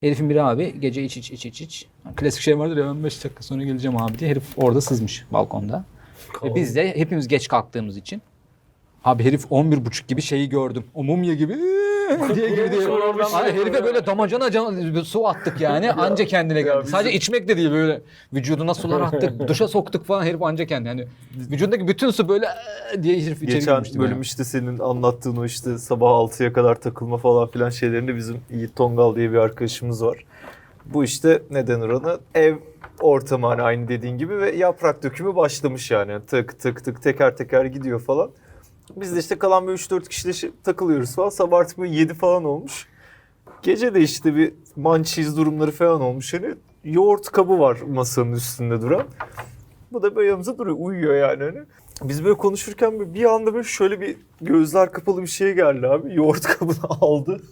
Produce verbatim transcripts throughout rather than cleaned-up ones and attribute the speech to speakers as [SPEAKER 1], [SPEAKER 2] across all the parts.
[SPEAKER 1] Herifin biri abi gece iç iç iç iç iç. Klasik şey vardır ya, ben beş dakika sonra geleceğim abi diye. Herif orada sızmış balkonda. Ve biz de hepimiz geç kalktığımız için. Abi herif on bir buçuk gibi şeyi gördüm. O mumya gibi diye girdi. Ay, herife böyle damacana can, su attık yani. Anca kendine geldi. Sadece içmek de değil, böyle vücuduna sular attık. Duşa soktuk falan, herif anca kendi. Yani vücudundaki bütün su böyle diye herif içeri
[SPEAKER 2] Geçen
[SPEAKER 1] girmişti.
[SPEAKER 2] bölüm
[SPEAKER 1] yani.
[SPEAKER 2] işte senin anlattığın o işte sabah altıya kadar takılma falan filan şeylerinde bizim Yiğit Tongal diye bir arkadaşımız var. Bu işte ne denir ona? Ev ortamı, hani aynı dediğin gibi, ve yaprak dökümü başlamış yani. Tık tık tık teker teker gidiyor falan. Biz de işte kalan bir üç dört kişiyle şey- takılıyoruz falan. Sabah artık böyle yedi falan olmuş. Gece de işte bir mançiz durumları falan olmuş. Hani yoğurt kabı var masanın üstünde duran. Bu da böyle yanımıza duruyor, uyuyor yani hani. Biz böyle konuşurken bir anda böyle şöyle bir gözler kapalı bir şey geldi abi. Yoğurt kabını aldı.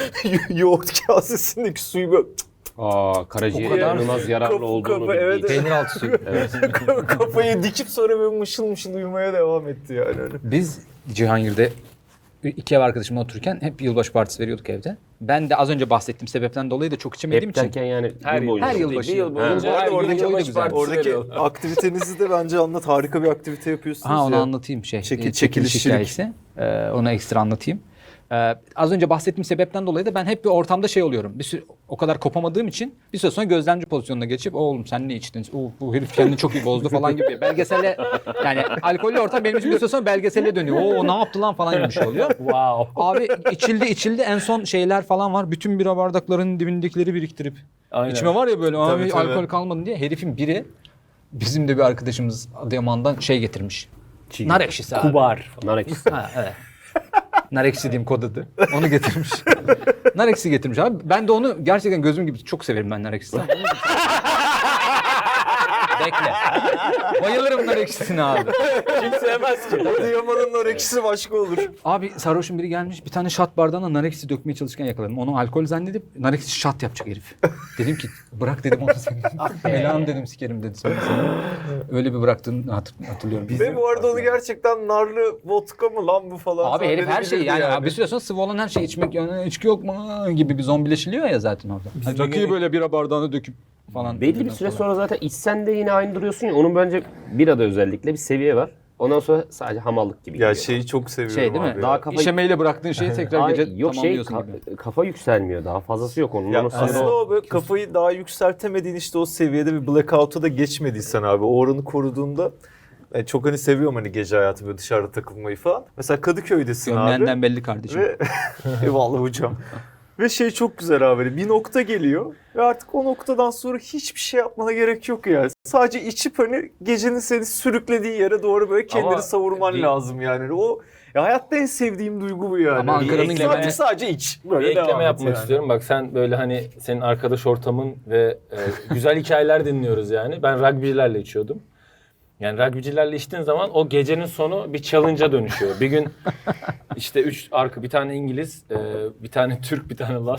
[SPEAKER 2] Yoğurt kasesindeki suyu böyle
[SPEAKER 3] Aa, karaciğer
[SPEAKER 2] O kadar
[SPEAKER 3] inanılmaz yararlı
[SPEAKER 2] kapı
[SPEAKER 3] olduğunu
[SPEAKER 2] kapı, evet,
[SPEAKER 3] bildiği için.
[SPEAKER 1] Peynir altı suyu.
[SPEAKER 3] Evet.
[SPEAKER 2] kafayı dikip sonra böyle mışıl mışıl uyumaya devam etti yani. Hani.
[SPEAKER 1] Biz Cihangir'de iki ev arkadaşımla otururken hep yılbaşı partisi veriyorduk evde. Ben de az önce bahsettiğim sebepten dolayı da çok içemediğim
[SPEAKER 3] Hep
[SPEAKER 1] için.
[SPEAKER 3] derken yani
[SPEAKER 4] Her
[SPEAKER 3] yıl boyunca.
[SPEAKER 1] her yıl
[SPEAKER 4] Bir
[SPEAKER 1] başı.
[SPEAKER 4] yıl
[SPEAKER 1] Ha.
[SPEAKER 4] boyunca
[SPEAKER 2] Bu arada
[SPEAKER 4] her gün
[SPEAKER 2] oradaki
[SPEAKER 4] yılbaşı
[SPEAKER 1] güzel.
[SPEAKER 4] partisi
[SPEAKER 2] Oradaki
[SPEAKER 4] veriyor.
[SPEAKER 2] aktivitenizi de bence anlat. Harika bir aktivite yapıyorsunuz
[SPEAKER 1] Ha onu
[SPEAKER 2] ya.
[SPEAKER 1] anlatayım şey.
[SPEAKER 2] Çekil-
[SPEAKER 1] e, çekiliş
[SPEAKER 2] çekilişçilik.
[SPEAKER 1] hikayesi. Ee, onu ekstra anlatayım. Ee, az önce bahsettiğim sebepten dolayı da ben hep bir ortamda şey oluyorum. Bir süre, o kadar kopamadığım için bir süre sonra gözlemci pozisyonuna geçip oğlum sen ne içtin? Oo, bu herif kendini çok iyi bozdu falan gibi. Belgesele, yani alkollü ortam benim için bir süre sonra belgesele dönüyor. Oo ne yaptı lan falan gibi bir şey oluyor.
[SPEAKER 4] Wow.
[SPEAKER 1] Abi içildi içildi, en son şeyler falan var. Bütün bira bardaklarının dibindekileri biriktirip.
[SPEAKER 4] Aynen.
[SPEAKER 1] İçime var ya böyle abi
[SPEAKER 2] Tabii, tabii.
[SPEAKER 1] alkol kalmadı diye. Herifin biri bizim de bir arkadaşımız Adıyaman'dan şey getirmiş.
[SPEAKER 3] Çiğ.
[SPEAKER 1] Nar ekşisi abi.
[SPEAKER 4] Kubar.
[SPEAKER 3] Nar ekşisi.
[SPEAKER 1] Ha, evet. Nar ekşisi diyeyim kod adı. Onu getirmiş. Nar ekşisi getirmiş abi. Ben de onu gerçekten gözüm gibi çok severim ben nar ekşisini. Bekle. Bayılırım nar ekşisine abi.
[SPEAKER 4] Kim sevmez ki?
[SPEAKER 2] Adıyaman'ın nar ekşisi başka olur.
[SPEAKER 1] Abi sarhoşun biri gelmiş, bir tane şat bardağına nar ekşisi dökmeye çalışırken yakaladım. Onu alkol zannedip nar ekşisi şat yapacak herif. Dedim ki bırak dedim onu senin. Belanı dedim sikerim dedi sonra seni. Öyle bir bıraktığını hatır, hatırlıyorum.
[SPEAKER 2] Ve bu arada onu gerçekten narlı vodka mı lan bu falan.
[SPEAKER 1] Abi herif her şeyi yani,
[SPEAKER 2] zannedebilirdi
[SPEAKER 1] Abi bir süre sonra sıvı olan her şeyi içmek, yani içki yok mu gibi bir zombileşiliyor ya zaten orada. Hani rakıyı böyle bira bardağına döküp falan.
[SPEAKER 3] Belli bir süre sonra zaten içsen de yine aynı duruyorsun ya. Onun bence birada özellikle bir seviye var. Ondan sonra sadece hamallık gibi
[SPEAKER 2] Ya
[SPEAKER 3] geliyor.
[SPEAKER 2] şeyi çok seviyorum
[SPEAKER 1] Şey değil mi?
[SPEAKER 2] abi.
[SPEAKER 3] Daha
[SPEAKER 2] ya.
[SPEAKER 3] kafa,
[SPEAKER 1] İşemeyle bıraktığın şeyi tekrar
[SPEAKER 3] Ay,
[SPEAKER 1] gece
[SPEAKER 3] yok şey
[SPEAKER 1] tamamlıyorsun
[SPEAKER 3] ka-
[SPEAKER 1] gibi.
[SPEAKER 3] kafa yükselmiyor. Daha fazlası yok onun.
[SPEAKER 2] Ya
[SPEAKER 3] Onun sonra
[SPEAKER 2] aslında
[SPEAKER 3] o-
[SPEAKER 2] o böyle kafayı daha yükseltemediğin işte o seviyede bir blackout'a da geçmediysen abi, o oranı koruduğunda yani çok hani seviyorum hani gece hayatı, böyle dışarıda takılmayı falan. Mesela Kadıköy'desin abi.
[SPEAKER 1] Gömleğinden belli kardeşim.
[SPEAKER 2] Ve eyvallah hocam. Ve şey çok güzel abi, bir nokta geliyor ve artık o noktadan sonra hiçbir şey yapmana gerek yok yani. Sadece içip hani gecenin seni sürüklediği yere doğru böyle kendini
[SPEAKER 4] Ama
[SPEAKER 2] savurman
[SPEAKER 4] bir-
[SPEAKER 2] lazım yani. O ya hayatta en sevdiğim duygu bu yani.
[SPEAKER 1] Ama Ankara'nın
[SPEAKER 2] sadece,
[SPEAKER 4] ekleme-
[SPEAKER 2] sadece iç.
[SPEAKER 4] Bir
[SPEAKER 2] Böyle devam
[SPEAKER 4] ekleme
[SPEAKER 2] et
[SPEAKER 4] yapmak
[SPEAKER 2] yani.
[SPEAKER 4] istiyorum. Bak sen böyle hani senin arkadaş ortamın ve e, güzel hikayeler dinliyoruz yani. Ben rugbycilerle içiyordum. Yani rugbycilerle içtiğin zaman o gecenin sonu bir challenge'a dönüşüyor. Bir gün işte üç arka, bir tane İngiliz, e, bir tane Türk, bir tane Laz.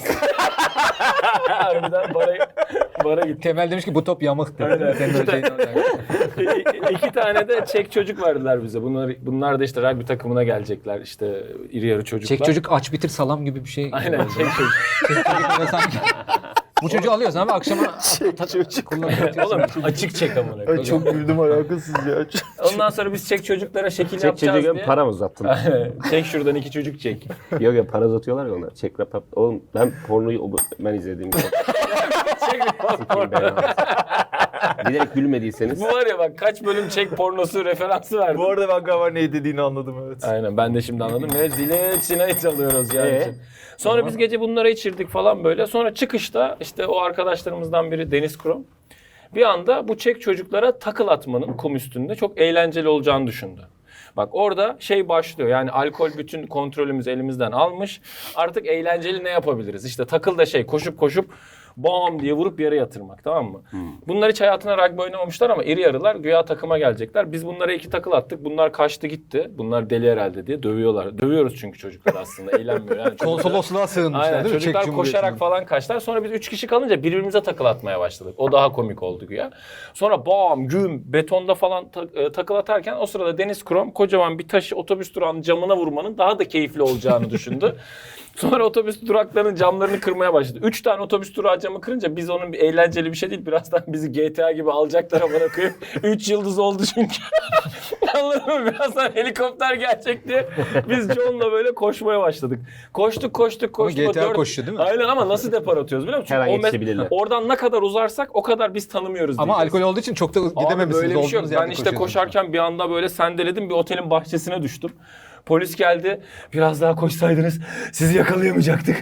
[SPEAKER 4] Harbiden bara, bara gitti.
[SPEAKER 1] Temel demiş ki bu top yamuk dedi.
[SPEAKER 4] Aynen.
[SPEAKER 1] Senin öyle şeyin olacak.
[SPEAKER 4] İ- İki tane de Çek çocuk verdiler bize. Bunlar, bunlar da işte rugby takımına gelecekler. İşte iri yarı çocuklar.
[SPEAKER 1] Çek çocuk aç bitir salam gibi bir şey.
[SPEAKER 4] Aynen Çek çocuk.
[SPEAKER 1] Çek çocuk böyle sanki. Bu çocuğu alıyorsun abi akşama
[SPEAKER 2] Çek çocuk.
[SPEAKER 1] kullanıyorsun.
[SPEAKER 4] Oğlum açık çek amına
[SPEAKER 2] Ay
[SPEAKER 4] koyayım.
[SPEAKER 2] çok güldüm, alakasız ya.
[SPEAKER 4] Ondan sonra biz çek çocuklara şekil
[SPEAKER 3] Çek
[SPEAKER 4] yapacağız
[SPEAKER 3] çocuğa
[SPEAKER 4] diye.
[SPEAKER 3] para mı uzattın?
[SPEAKER 4] Çek şuradan iki çocuk çek.
[SPEAKER 3] Yok ya, para uzatıyorlar ya onlar. Çek rap yap. Oğlum ben pornoyu o- ben izlediğim gibi.
[SPEAKER 4] Çek
[SPEAKER 3] Sikeyim ben abi. Bilerek gülmediyseniz.
[SPEAKER 4] Bu var ya bak kaç bölüm çek pornosu referansı verdim.
[SPEAKER 2] Bu arada ben galiba ne dediğini anladım, evet.
[SPEAKER 4] Aynen ben de şimdi anladım ve zile çine çalıyoruz yani.
[SPEAKER 3] Ee?
[SPEAKER 4] Sonra biz gece bunlara içirdik falan böyle. Sonra çıkışta işte o arkadaşlarımızdan biri Deniz Krom bir anda bu çek çocuklara takıl atmanın kum üstünde çok eğlenceli olacağını düşündü. Bak orada şey başlıyor, yani alkol bütün kontrolümüzü elimizden almış. Artık eğlenceli ne yapabiliriz? İşte takıl da şey, koşup koşup bam diye vurup yere yatırmak, tamam mı? Bunlar hiç hayatına rugby oynamamışlar ama iri yarılar güya takıma gelecekler. Biz bunlara iki takıl attık. Bunlar kaçtı gitti. Bunlar deli herhalde diye dövüyorlar. Dövüyoruz çünkü çocuklar aslında eğlenmiyor. Yani çocuklar-
[SPEAKER 1] Konsolosluğa sığınmışlar
[SPEAKER 4] Aynen,
[SPEAKER 1] değil mi? Çek
[SPEAKER 4] çocuklar
[SPEAKER 1] Cumhuriyeti'ne.
[SPEAKER 4] koşarak falan kaçtılar. Sonra biz üç kişi kalınca birbirimize takıl atmaya başladık. O daha komik oldu güya. Sonra bam güm betonda falan ta- e, takıl atarken o sırada Deniz Krom kocaman bir taşı otobüs durağının camına vurmanın daha da keyifli olacağını düşündü. Sonra otobüs duraklarının camlarını kırmaya başladı. Üç tane otobüs durağı camı kırınca biz onun bir eğlenceli bir şey değil. Birazdan bizi G T A gibi alacaklar amına koyayım. Üç yıldız oldu çünkü. Anladın mı? Birazdan helikopter gelecek diye biz John'la böyle koşmaya başladık. Koştuk koştuk koştuk.
[SPEAKER 1] Ama G T A
[SPEAKER 4] Dört-
[SPEAKER 1] koşuyor değil mi?
[SPEAKER 4] Aynen ama nasıl depar atıyoruz biliyor musun?
[SPEAKER 3] Her an
[SPEAKER 4] O mes-
[SPEAKER 3] yetişebilirler.
[SPEAKER 4] Oradan ne kadar uzarsak o kadar biz tanımıyoruz
[SPEAKER 1] Ama
[SPEAKER 4] diyeceğiz.
[SPEAKER 1] alkol olduğu için çok da
[SPEAKER 4] Abi
[SPEAKER 1] gidememişsiniz.
[SPEAKER 4] böyle bir şey yok.
[SPEAKER 1] olduğunuz
[SPEAKER 4] Ben
[SPEAKER 1] yerde
[SPEAKER 4] işte
[SPEAKER 1] koşuyorsunuz.
[SPEAKER 4] koşarken bir anda böyle sendeledim, bir otelin bahçesine düştüm. Polis geldi. Biraz daha koşsaydınız sizi yakalayamayacaktık.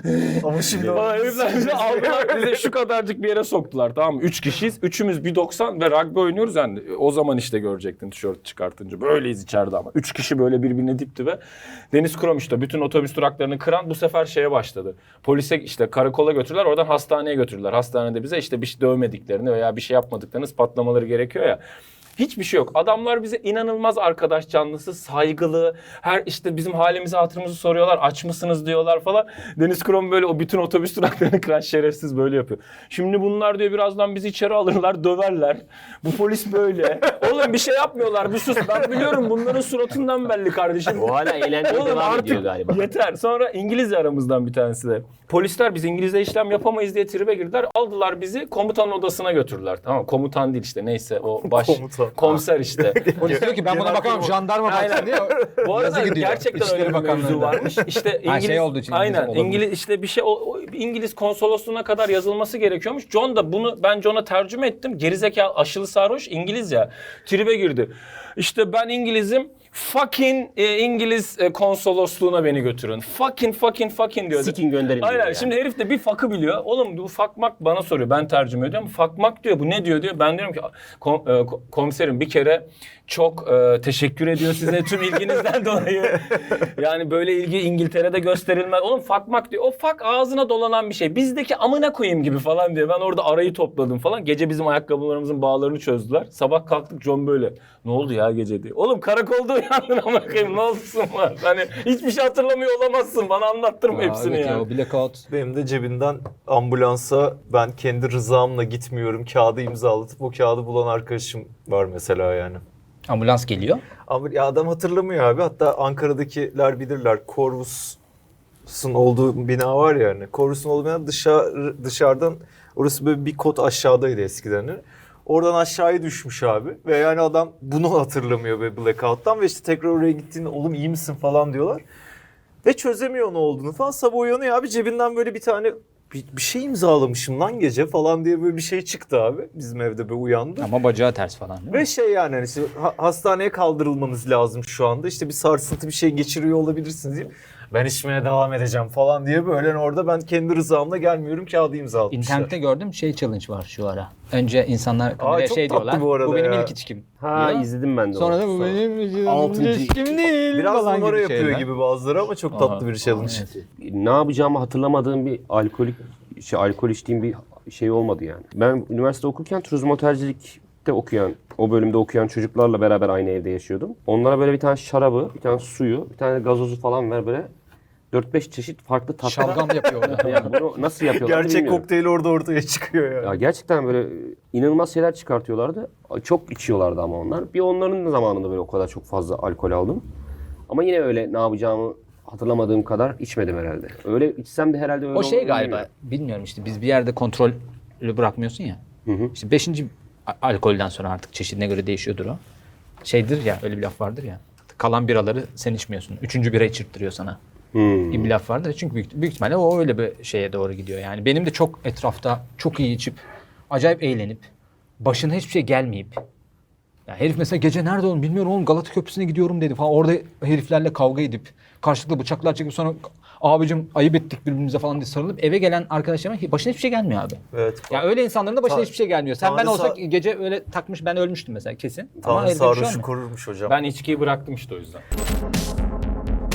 [SPEAKER 2] Ama şimdi
[SPEAKER 4] Falan herifler bizi aldılar. Bize şu kadarcık bir yere soktular, tamam mı? Üç kişiyiz. Üçümüz bir doksan ve rugby oynuyoruz yani. O zaman işte görecektin tişört çıkartınca. Böyleyiz içeride ama. Üç kişi böyle birbirine dipti ve Deniz Krom işte bütün otobüs duraklarını kıran bu sefer şeye başladı. Polise işte karakola götürdüler. Oradan hastaneye götürdüler. Hastanede bize işte bir şey dövmediklerini veya bir şey yapmadıklarını ispatlamaları gerekiyor ya. Hiçbir şey yok. Adamlar bize inanılmaz arkadaş canlısı, saygılı. Her işte bizim halimizi hatırımızı soruyorlar. Aç mısınız diyorlar falan. Deniz Krom böyle o bütün otobüs duraklarını kıran şerefsiz böyle yapıyor. Şimdi bunlar diyor birazdan bizi içeri alırlar, döverler. Bu polis böyle. Oğlum bir şey yapmıyorlar. Bir sus. Ben biliyorum bunların suratından belli kardeşim.
[SPEAKER 3] O hala eğlenceli
[SPEAKER 4] Oğlum
[SPEAKER 3] devam
[SPEAKER 4] artık
[SPEAKER 3] ediyor galiba.
[SPEAKER 4] yeter. Sonra İngiliz aramızdan bir tanesi de. Polisler biz İngilizce işlem yapamayız diye tribe girdiler. Aldılar bizi komutanın odasına götürdüler. Tamam, komutan değil işte neyse o baş
[SPEAKER 2] Komutan.
[SPEAKER 4] komiser işte.
[SPEAKER 1] Polis diyor ki ben buna
[SPEAKER 2] Genel
[SPEAKER 1] bakamam
[SPEAKER 2] kurul.
[SPEAKER 1] jandarma baksın diye.
[SPEAKER 4] Bu arada
[SPEAKER 1] yazı gidiyor.
[SPEAKER 4] gerçekten
[SPEAKER 1] İçişleri
[SPEAKER 4] öyle bir mevzu
[SPEAKER 1] Bakanlığı'nda.
[SPEAKER 4] varmış. İşte
[SPEAKER 1] Ha,
[SPEAKER 4] İngiliz,
[SPEAKER 1] şey olduğu için İngiliz
[SPEAKER 4] aynen
[SPEAKER 1] olabilir.
[SPEAKER 4] İngiliz işte bir şey o, o İngiliz konsolosluğuna kadar yazılması gerekiyormuş. John da bunu ben John'a tercüme ettim. Gerizekalı aşılı sarhoş İngiliz ya. Tribe girdi. İşte ben İngilizim. Fucking e, İngiliz e, konsolosluğuna beni götürün. Fucking fucking fucking diyor.
[SPEAKER 3] Sikin gönderin
[SPEAKER 4] Aynen.
[SPEAKER 3] diyor yani.
[SPEAKER 4] Şimdi herif de bir fakı biliyor. Oğlum bu fakmak bana soruyor. Ben tercüme ediyorum. Fakmak diyor. Bu ne diyor diyor. Ben diyorum ki kom, e, ko- komiserim bir kere çok e, teşekkür ediyor size tüm ilginizden dolayı. Yani böyle ilgi İngiltere'de gösterilmez. Oğlum fakmak diyor. O fak ağzına dolanan bir şey. Bizdeki amına koyayım gibi falan diyor. Ben orada arayı topladım falan. Gece bizim ayakkabılarımızın bağlarını çözdüler. Sabah kalktık John böyle. Ne oldu ya gece diye. Oğlum karakolda uyandın amına koyayım. Ne olsun var? Hani hiçbir şey hatırlamıyor olamazsın. Bana anlattırma
[SPEAKER 1] Aa,
[SPEAKER 4] hepsini
[SPEAKER 1] evet
[SPEAKER 4] ya.
[SPEAKER 1] ya. O blackout.
[SPEAKER 2] benim de cebimden ambulansa ben kendi rızamla gitmiyorum. Kağıdı imzalatıp o kağıdı bulan arkadaşım var mesela yani.
[SPEAKER 1] Ambulans geliyor.
[SPEAKER 2] Ama ya adam hatırlamıyor abi. Hatta Ankara'dakiler bilirler. Corvus'un olduğu bina var ya hani. Corvus'un olduğu bina dışarı, dışarıdan orası böyle bir kot aşağıdaydı eskiden. Oradan aşağıya düşmüş abi. Ve yani adam bunu hatırlamıyor be blackout'tan. Ve işte tekrar oraya gittiğinde oğlum iyi misin falan diyorlar. Ve çözemiyor ne olduğunu falan. Sabah uyanıyor abi cebinden böyle bir tane bir, bir şey imzalamışım lan gece falan diye böyle bir şey çıktı abi. Bizim evde böyle uyandı.
[SPEAKER 1] Ama bacağı ters falan değil mi?
[SPEAKER 2] Ve şey yani hani işte ha- hastaneye kaldırılmanız lazım şu anda. İşte bir sarsıntı bir şey geçiriyor olabilirsiniz diyeyim. Ben içmeye devam edeceğim falan diye böyle orada ben kendi rızamla gelmiyorum kağıdı imzalatmışlar.
[SPEAKER 1] İnternette gördüm şey challenge var şu ara. Önce insanlar kameraya
[SPEAKER 2] çok
[SPEAKER 1] şey
[SPEAKER 2] tatlı
[SPEAKER 1] diyorlar.
[SPEAKER 2] bu arada
[SPEAKER 1] benim
[SPEAKER 2] ya."
[SPEAKER 1] ilk içkim.
[SPEAKER 3] Ha
[SPEAKER 1] diyor.
[SPEAKER 3] izledim ben de
[SPEAKER 1] Sonra
[SPEAKER 3] onu.
[SPEAKER 1] da bu benim
[SPEAKER 3] Altıncı-
[SPEAKER 1] ilişkim değil
[SPEAKER 2] Biraz
[SPEAKER 1] falan
[SPEAKER 2] numara
[SPEAKER 1] gibi
[SPEAKER 2] yapıyor
[SPEAKER 1] şeyler.
[SPEAKER 2] gibi bazıları ama çok tatlı bir challenge.
[SPEAKER 1] Evet.
[SPEAKER 3] Ne yapacağımı hatırlamadığım bir alkolik şey alkol içtiğim bir şey olmadı yani. Ben üniversite okurken turizm otelcilikte okuyan, o bölümde okuyan çocuklarla beraber aynı evde yaşıyordum. Onlara böyle bir tane şarabı, bir tane suyu, bir tane gazozu falan ver böyle dört beş çeşit farklı tatlar.
[SPEAKER 1] Şalgam yapıyor orada.
[SPEAKER 3] Yani bunu nasıl yapıyorlar
[SPEAKER 2] Gerçek
[SPEAKER 3] bilmiyorum.
[SPEAKER 2] kokteyl orada ortaya çıkıyor yani.
[SPEAKER 3] Ya gerçekten böyle inanılmaz şeyler çıkartıyorlardı. Çok içiyorlardı ama onlar. Bir onların da zamanında böyle o kadar çok fazla alkol aldım. Ama yine öyle ne yapacağımı hatırlamadığım kadar içmedim herhalde. Öyle içsem de herhalde öyle
[SPEAKER 1] O şey
[SPEAKER 3] olur
[SPEAKER 1] galiba
[SPEAKER 3] bilmiyorum.
[SPEAKER 1] bilmiyorum işte biz bir yerde kontrolü bırakmıyorsun ya.
[SPEAKER 3] Hı hı.
[SPEAKER 1] İşte beşinci a- alkolden sonra artık çeşidine göre değişiyordur o. Şeydir ya öyle bir laf vardır ya. Kalan biraları sen içmiyorsun. Üçüncü bira içirttiriyor sana.
[SPEAKER 3] Hmm.
[SPEAKER 1] Gibi bir laf vardır. Çünkü büyük, büyük ihtimalle o öyle bir şeye doğru gidiyor. Yani benim de çok etrafta çok iyi içip acayip eğlenip başına hiçbir şey gelmeyip ya herif mesela gece nerede oğlum bilmiyorum oğlum Galata Köprüsü'ne gidiyorum dedi falan. Orada heriflerle kavga edip karşılıklı bıçaklar çekip sonra abicim ayıp ettik birbirimize falan diye sarılıp eve gelen arkadaşlarıma başına hiçbir şey gelmiyor abi.
[SPEAKER 2] Evet.
[SPEAKER 1] Ya öyle insanların da başına
[SPEAKER 2] Ta-
[SPEAKER 1] hiçbir şey gelmiyor. Sen ben
[SPEAKER 2] Tanrı
[SPEAKER 1] olsak
[SPEAKER 2] sağ-
[SPEAKER 1] gece öyle takmış ben ölmüştüm mesela kesin. Ama
[SPEAKER 2] Tanrı
[SPEAKER 1] herifte bir şey
[SPEAKER 2] sarhoşu
[SPEAKER 1] olmuyor.
[SPEAKER 2] korurmuş hocam.
[SPEAKER 4] Ben içkiyi bıraktım işte o yüzden.